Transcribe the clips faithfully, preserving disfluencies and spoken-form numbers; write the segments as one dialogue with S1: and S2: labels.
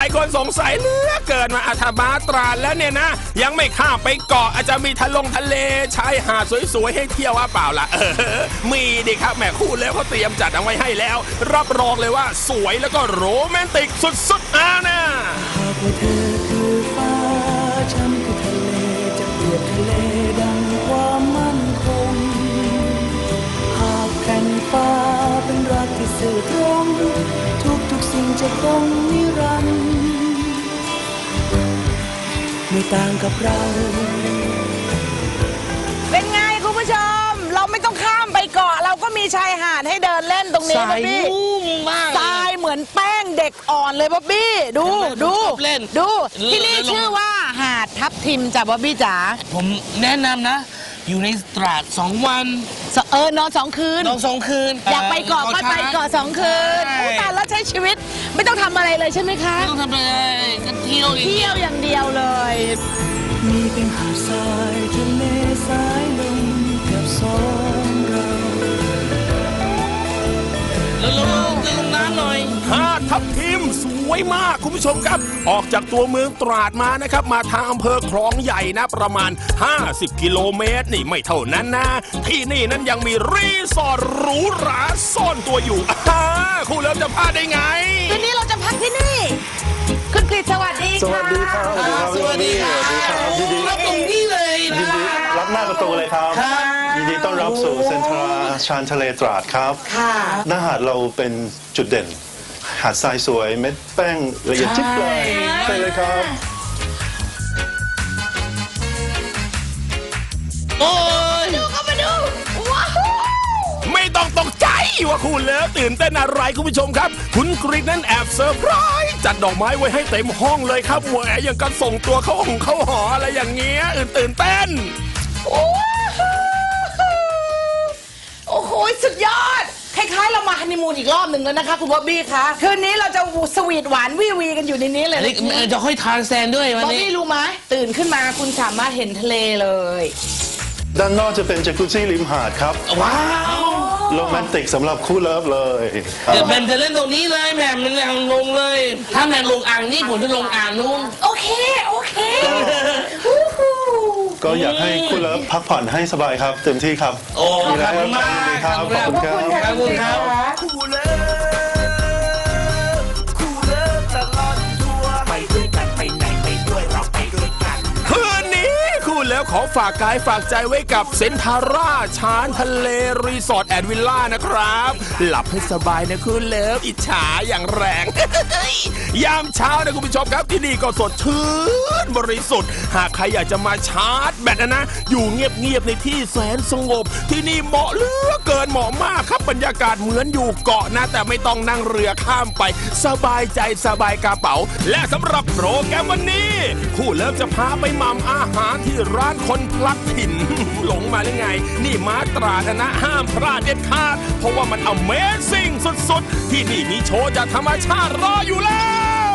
S1: ายคนสงสัยเหลือเกินมาอาธมาตราดแล้วเนี่ยนะยังไม่ข้ามไปเกาะอาจจะมีทะลงทะเลชายหาดสวยๆให้เที่ยวว่าเปล่าล่ะเออมีดิครับแม่คู่แล้วเขาเตรียมจัดเอาไว้ให้แล้วรับรองเลยว่าสวยแล้วก็โรแมนติกสุดๆอ่ะนะ
S2: หากว่าเธอคือฟ้าฉันคือทะเลจะเปรียบทะเลดังความมั่นคงหากแผ่นฟ้าเป็นรักที่สื่อตรงทุกทุกสิ่งจะคงนิรันดร์ไม่ต่างกับเรา
S3: เป็นไงคุณผู้ชมเราไม่ต้องข้ามไปเกาะเราก็มีชายหาดให้เดินเล่นตรงนี้บ๊อบบี้ทรายเหมือนแป้งเด็กอ่อนเลยบ๊อบบี้ดูดูดูที่นี่ชื่อว่าหาดทับทิมจ้ะบ๊อบบี้จ๋า
S4: ผมแนะนำนะอยู่ในตราดสองวัน
S3: เออนอนสองคืน
S4: นอนสองคืน
S3: อยากไปเกาะก็ไปเกาะสองคืนผู้ตายแล้วใช้ชีวิตไม่ต้องทำอะไรเลยใช่ไหมคะ
S4: ไม่ต้องทำอะไรก็เที่ยว
S3: เที่ยวอย่างเดียวเลย
S2: มีเพียงหาดทรายทะเลสายลมกับสองเรา
S4: แล้วลงจะลงน้ำหน่อย
S1: หาดทับทิมสวยมากคุณผู้ชมครับออกจากตัวเมืองตราดมานะครับมาทางอำเภอคลองใหญ่นะประมาณห้าสิบกิโลเมตรนี่ไม่เท่านั้นนะที่นี่นั้นยังมีรีสอร์ทหรูหราซ่อนตัวอยู่อ่าคู่เลิฟจะพลาดได้ไง
S3: คืนนี้เราจะพักที่นี่คุณกฤษสวัสดีค่ะ
S5: สวัสดีครับ
S4: สวัสดีครับ
S5: ยินดี
S4: รับตรงนี้เลย
S5: ยินดีรับหน้าประตูเลยครับยินดีต้อนรับสู่เซ็นทรัลชานทะเลตราดครับหน้าหาดเราเป็นจุดเด่นหาดทรายสวยเม็ดแป้งละเอียดจิ๊บเลยใช่เลยครับ
S4: โอ้ย
S3: ดูเข้ามาดูว้าว
S1: ไม่ต้องตกใจว่าคุณเลิฟตื่นเต้นอะไรคุณผู้ชมครับคุณกรีฑนั้นแอบเซอร์ไพรส์จัดดอกไม้ไว้ให้เต็มห้องเลยครับแหวยังกันส่งตัวเข้าห้องเข้าหออะไรอย่างเงี้ยตื่นเต้น
S3: โอ้โหสุดยอดคล้ายๆเรามาฮันนีมูนอีกรอบหนึ่งแล้วนะคะคุณบ๊อบบี้คะคืนนี้เราจะสวีทหวานวีวีกันอยู่ในนี้เลย
S4: จะค่อยทานแซนด้วยวันนี้
S3: บ๊อบบี้รู้ไหมตื่นขึ้นมาคุณสามารถเห็นทะเลเลย
S5: ด้านนอกจะเป็นจักรุซี่ริมหาดครับ
S4: ว้าว
S5: โรแมนติกสำหรับคู่เลิฟเลย
S4: เดี๋ยวแหม่มจะเล่นตรงนี้เลยแหม่มมันยังลงเลยถ้าแหม่มลงอ่างนี่ผมจะลงอ่างนู้น
S3: โอเคโอเค
S5: ก็อยากให้คู่เลิฟพักผ่อนให้สบายครับเต็มที่ครับ
S4: โอ้ขอบคุณมาก
S5: ครับขอบคุณครับ
S4: ขอบคุณครับ
S1: คู่เลิฟคู่เลิฟตลอดทัวร์ไปด้วยกันไปไหนไปด้วยเราไปด้วยกันคืนนี้คู่เลิฟขอฝากกายฝากใจไว้กับเซ็นทาร่าชานทะเลรีสอร์ทแอนด์วิลล่านะครับหลับให้สบายนะคู่เลิฟอิจฉาอย่างแรงยามเช้านะคุณผู้ชมครับที่นี่ก็สดชื่นบริสุทธิ์หากใครอยากจะมาชาร์จแบตนะนะอยู่เงียบๆในที่แสนสงบที่นี่เหมาะเหลือเกินเหมาะมากครับบรรยากาศเหมือนอยู่เกาะนะแต่ไม่ต้องนั่งเรือข้ามไปสบายใจสบายกระเป๋าและสำหรับโปรแกรมวันนี้คู่เลิฟจะพาไปหม่ำอาหารที่ร้านคนพลัดถิ่นหลงมาหรือไงนี่มาตราดนะห้ามพลาดเด็ดขาดเพราะว่ามัน Amazing สุดๆที่นี่มีโชว์จากธรรมชาติรออยู่แล้ว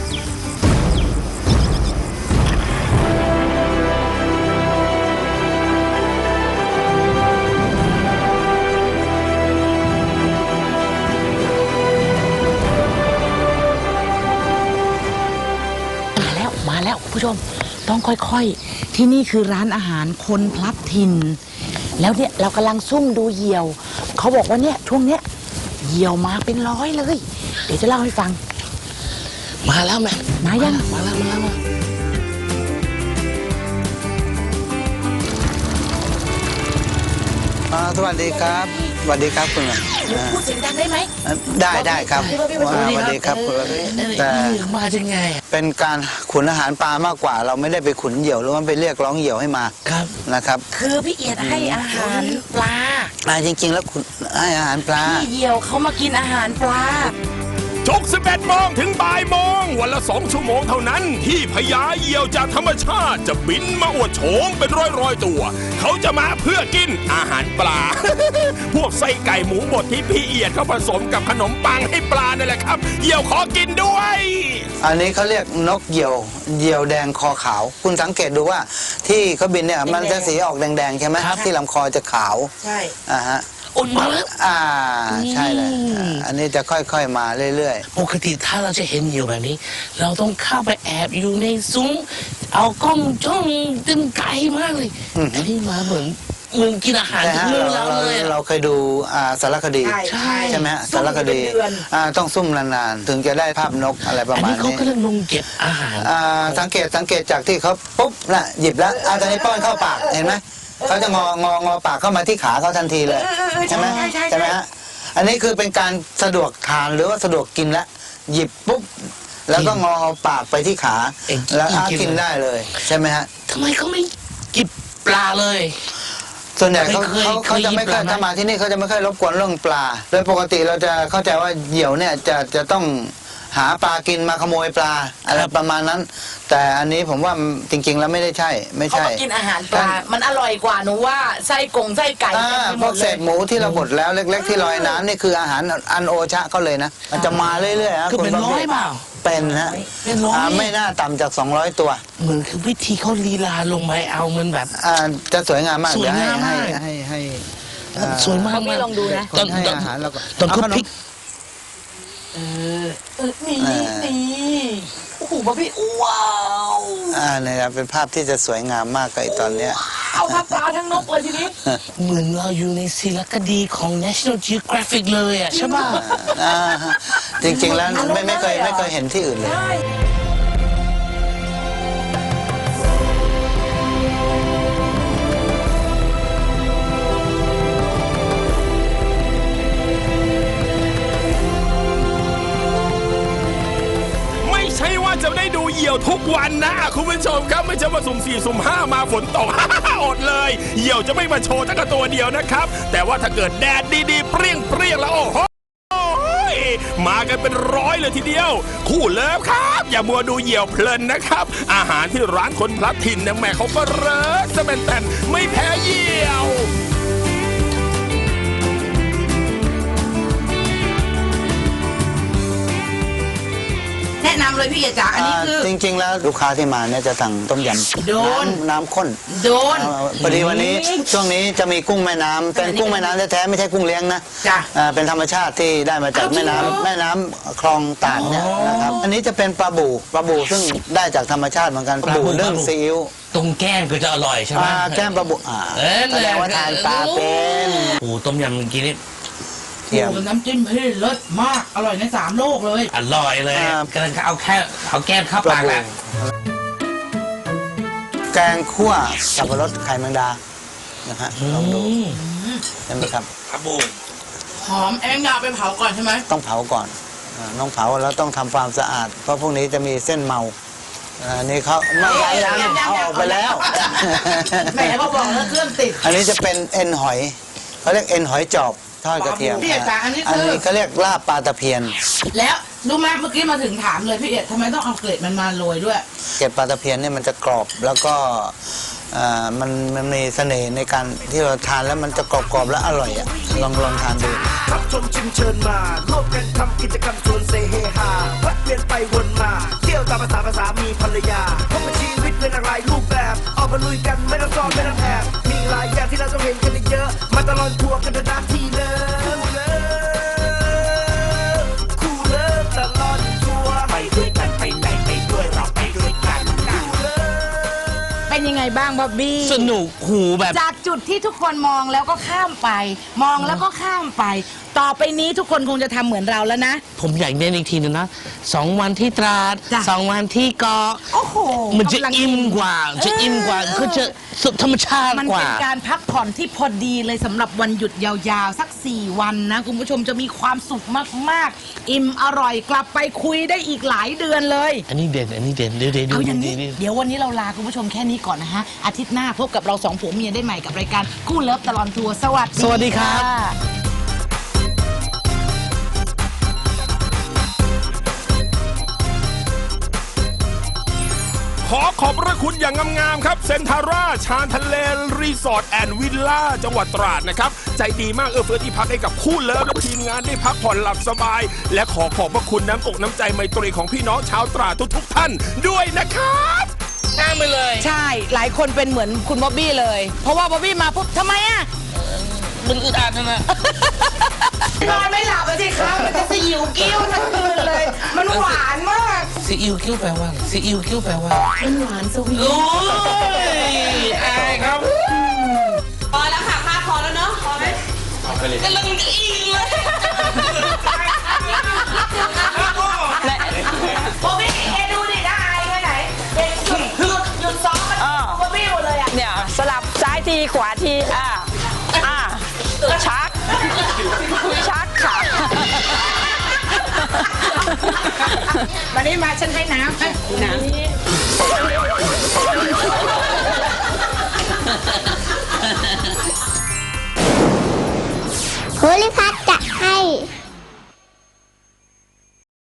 S3: มาแล้วมาแล้วผู้ชมต้องค่อยๆที่นี่คือร้านอาหารคนพลัดถิ่นแล้วเนี่ยเรากำลังซุ่มดูเหยี่ยวเขาบอกว่าเนี่ยช่วงเนี้ยเหยี่ยวมาเป็นร้อยเลยเดี๋ยวจะเล่าให้ฟัง
S4: มาแล้วแม่
S3: มายัง
S4: มาแล้วมาแล้วมา
S6: สวัสดีครับสวัสดีครับคุณ
S3: พูดเสียงดังได้ไหม
S6: ได้ได้ครับสวัสดีครับ
S4: แต่มาจะไง
S6: เป็นการขุนอาหารปลามากกว่าเราไม่ได้ไปขุนเหยี่ยวหรือว่าไปเรียกร้องเหยี่ยวให้มา
S4: ครับ
S6: นะครับ
S3: คือพี่เอียดให้อาหารปลา
S6: อ่าจริงๆแล้วคุณให้อาหารปลา
S3: พี่เหยี่ยวเขามากินอาหารปลา
S1: ทุกสิบเอ็ดโมงถึงบ่ายโมงวันละสองชั่วโมงเท่านั้นที่พญาเหยี่ยวจากธรรมชาติจะบินมาอวดโฉมเป็นร้อยๆตัวเขาจะมาเพื่อกินอาหารปลา พวกไส้ไก่หมูบดที่พี่เอียดเขาผสมกับขนมปังให้ปลานั่นแหละครับเหยี่ยวขอกินด้วย
S6: อันนี้เขาเรียกนกเหยี่ยวเหยี่ยวแดงคอขาวคุณสังเกตดูว่าที่เขาบินเนี่ยมันจะสีออกแดงๆใช่ไหมที่ลำคอจะขาว
S3: ใช่
S6: อ่าฮะ
S4: อุ่นมาแล้ว
S6: อ่าใช่เลยอ่าอันนี้จะค่อยๆมาเรื่อย
S4: ปกติถ้าเราจะเห็นเหยี่ยวแบบนี้ เราต้องเข้าไปแอบอยู่ในซุ้มเอากล้องจ้องตึงไกลมากเลยอันนี้มาเหมือนเหมือนกินอาหาร
S6: ๆแต่
S4: จาก
S6: ฮะ
S4: มือ
S6: เรา
S4: เรา
S6: เรา
S4: เลยอะ
S6: เราเคยดูอ่าสารคดี
S3: ใช่ใช่
S6: ใช่ไหมฮะ
S3: ซุ่
S6: สาม รคดี
S3: เป็นเดือน
S6: อ่าต้องซุ่มนานๆถึงจะได้ภาพนกอะไรประ
S4: อัน
S6: มาณ
S4: นี้เขา
S6: นี้
S4: กำลังลงเก็บอาหาร
S6: อ่าสังเกตสังเกตจากที่เขาปุ๊บน่ะหยิบแล้วอาตอนนี้ป้อนเข้าปากเห็นไหมเขาจะงององอปากเข้ามาที่ขาเขาทันทีเลย
S3: เออเออเออ
S6: ใช่ไหม
S3: ใช่ใช่ใช่
S6: ใช่ไหมฮะอันนี้คือเป็นการสะดวกทานหรือว่าสะดวกกินแล้วหยิบปุ๊บแล้วก็งอปากไปที่ขา
S4: เอง
S6: แล้วอา
S4: กิน
S6: กินได้เลยใช่ไหมฮะ
S4: ทำไมเขาไม่กิบปลาเลย
S6: ส่วนใหญ่เขา
S4: เคย
S6: เขาเขาจะไม่ค่อย
S4: เคยหยิบปลาไหม
S6: ถ้ามาที่นี่เขาจะไม่ค่อยรบกวนเรื่องปลา โดยปกติเราจะเข้าใจว่าเหยี่ยวเนี่ยจะจะต้องหาปลากินมาขโมยปลาอะไรประมาณนั้น แต่อันนี้ผมว่าจริง ๆ แล้วไม่ได้ใช่ไม่
S3: เขา
S6: ใช่
S3: มากินอาหารปลา มันอร่อยกว่าหนูว่าไส้กงไส้ไก่
S6: อ่า
S3: เต็มไป
S6: พ
S3: หม
S6: วก
S3: ด
S6: เศ
S3: เลย
S6: ษหมูที่เราบดแล้วเล็ก ๆ ที่ลอยน้ำนี่คืออาหารอันโอชะเขาเลยนะ มันจะมาเรื่อยๆฮะ
S4: คือเป็น
S6: ณ
S4: ร้อยเปล่า
S6: เป็นฮะ
S4: เป็นร้อย
S6: าไม่น่าต่ำจากสองร้อยตัว
S4: เหมือนคือวิธีเขาลีลาลงไปเอามันแบบ
S6: อ่าจะสวยงามมาก
S4: สวยงาม
S6: เดี๋
S4: มาก
S6: ให้ให้ให้ให้
S4: สวยมาก
S3: พี่ลองดูนะ
S6: คนให้อาหารแล้วก็
S4: ตอนเขา
S6: ขม
S4: พลิก
S3: เออนี่นี่โอ้โหบ๊อบบี้ว้าว
S6: อ่าเนี่ยครับเป็นภาพที่จะสวยงามมากกับไอ้ตอนเนี้ย
S3: เอาทั้งปลาทั้งนกเลยทีนี้
S4: เหมือนเราอยู่ในสารคดีของ National Geographic เลยอ่ะใช่ป่ะ
S6: อ่าฮะจริงๆแล้วไม่ไม่เคยไม่เคยเห็นที่อื่นเลย
S1: ไม่ใช่ว่าจะได้ดูเหยี่ยวทุกวันนะคุณผู้ชมครับไม่ใช่ว่าสุ่มสี่สุ่มห้ามาฝนตก อดเลยเหยี่ยวจะไม่มาโชว์ตั้งแต่ตัวเดียวนะครับ แต่ว่าถ้าเกิดแดดดีๆเปรี้ยงเปรี้ยงๆแล้วโอ้โหมากันเป็นร้อยเลยทีเดียว คู่เลิฟครับ อย่ามัวดูเหยี่ยวเพลินนะครับ อาหารที่ร้านคนพลัดถิ่นเนี่ยแม่เขาก็เลิศสะเป็นแต่นไม่แพ้เหยี่ยว
S3: แนะนำเลยพี่เอ๋จ๋าอันนี้คือ
S6: จริง ๆ แล้วลูกค้าที่มาเนี่ยจะสั่งต้มยำ
S3: โดน
S6: น้ำน้ำข้น
S3: โดน
S6: เอาพอดีวันนี้ช่วงนี้จะมีกุ้งแม่น้ำเป็นกุ้งแม่น้ำแท้ๆไม่ใช่กุ้งเลี้ยงนะ
S3: จ้ะ
S6: อ่าเป็นธรรมชาติที่ได้มาจาก
S3: เอาจริ
S6: แม่
S3: งเหรอ
S6: น้ำแม่น้ำคลองตาดเนี่ยนะครับอันนี้จะเป็นปลาบูปลาบูซึ่งได้จากธรรมชาติเหมือนกันปลาบูนึ่งซีอิ๊ว
S4: ตรงแก้มก็จะอร่อยใช่ไหม
S6: อ่าแก้มปลาบูอ่า
S4: เอ้ย
S6: แสดงว่าทานปลาเป็น
S4: โอ้ต้มยำเมื่อกี้นี่
S6: เทียม
S3: น้ำจิ้มพี่เลิศมาก อร่อยในสามโลกเลย
S4: อร่อยเลย
S6: อ่า
S4: กำลังเอาแค่เอาแก้มเข้าปากแล้ว
S6: แกงคั่วสับปะรดไข่แมงดานะฮะลองดู
S4: อืม
S6: ใช่ไหมครับ
S4: ครับบู
S3: หอมแองดาไปเผาก่อนใช่ไหม
S6: ต้องเผาก่อนอ่าต้องเผาแล้วต้องทำความสะอาด เพราะพวกนี้จะมีเส้นเมาอันนี้เขาไม่ยังยังเอาออกไปแล้ว
S3: แหมพอบอกแล้วเครื่องติด
S6: อันนี้จะเป็นเอ็นหอยเขาเรียกเอ็นหอยจอบทอดกระเทียม
S3: พี่เอกจ๋าอันนี้คืออั
S6: อันนี้เขาเรียกลาบปลาตะเพียน
S3: แล้วรู้ไหมเมื่อกี้มาถึงถามเลยพี่เอ๋ทำไมต้องเอาเกล็ดมันมาโรยด้วย
S6: เกล็ดปลาตะเพียนเนี่ยมันจะกรอบแล้วก็อ่ามันมันมีเสน่ห์ในการที่เราทานแล้วมันจะกรอบๆและอร่อยอ่ะลองลองทานดู
S7: รับชมชิมเชิญมาร่วมกันทำกิจกรรมชวนเซเฮฮาพัดเวียนไปวนมา เที่ยวตามภาษาภาษามีภรรยาพบกับชีวิตเป็นอะไรรูปแบบ ออกมาลุยกันไม่ต้องซ้อนไม่ต้องแอบมีหลายอย่างที่เราต้องเห็นกันเยอะ มาตลอดทัวร์กันเถอะนะที่เลิฟเลิฟคู่เลิฟตลอดทัวร์ไปด้วยกันไปไหนไปด้วยเราไปด้วยกันคู่เลิฟ
S3: เป็นยังไงบ้างบ๊อบบี้
S4: สนุกหูแบบ
S3: จากจุดที่ทุกคนมองแล้วก็ข้ามไป มองแล้วก็ข้ามไป ต่อไปนี้ทุกคนคงจะทำเหมือนเราแล้วนะ
S4: ผมอยากเน้นอีกทีนึงนะสองวันที่ตราด
S3: จ้ะ
S4: สองวันที่เกาะ
S3: โอ้โห
S4: มันจะ
S3: กำลัง
S4: อิ่มกว่า จะอิ่มกว่า
S3: เออ
S4: คือจะสุดธรรมชาติ
S3: มัน
S4: กว่า
S3: เป็นการพักผ่อนที่พอดีเลยสำหรับวันหยุดยาวๆ สักสี่วันนะ คุณผู้ชมจะมีความสุขมากๆ อิ่มอร่อยกลับไปคุยได้อีกหลายเดือนเลย
S4: อันนี้เด่น อันนี้เด่นเดี๋ยวเดี๋ยวดู
S3: เอาอย่างนี้
S4: ดี
S3: เดี๋ยววันนี้เราลาคุณผู้ชมแค่นี้ก่อนนะฮะ อาทิตย์หน้าพบกับเราสองผัวเมียได้ใหม่กับรายการคู่เลิฟตลอดทัวร์สวัสดี
S4: สวัสดีครับ
S3: ะ
S1: ขอขอบพระคุณอย่างงามๆครับเซนทาร่าชานทะเลรีสอร์ทแอนด์วิลล่าจังหวัดตราดนะครับใจดีมากเอื้อเฟื้อที่พักให้กับคู่เลิฟและทีมงานได้พักผ่อนหลับสบาย และขอขอบพระคุณน้ำอกน้ำใจไมตรีของพี่น้องชาวตราดทุกๆท่านด้วยนะครับ
S4: ข้ามไปเลย
S3: ใช่ หลายคนเป็นเหมือนคุณบ๊อบบี้เลย เพราะว่าบ๊อบบี้มาปุ๊บทำไมอ่ะ
S4: มันอึดอัดนะ
S3: นอนไม่หลับอะสิครับมันจะสยิวกิ้วทั้งคืนเลย มันหวานมาก
S4: ซีอิ๊วคิ้วแปลว่าอะไรซีอิ๊วคิ้วแปลว่ามันหวานสวีทโอ้ยอายครับ
S3: พอแล้วค่ะค่าพอแล้วเนาะพอไหมกำลังอินเลยโบบี้เอดูดิได้อายแค่ไหนเด็กหยุดหยุดหยุดซ้อมมันโบบี้หมดเลยอ่ะ
S8: เนี่ยสลับซ้ายทีขวาทีอ่าอ่าชักชักค่ะ
S3: มานี่มาฉันให้น้ำน้ำ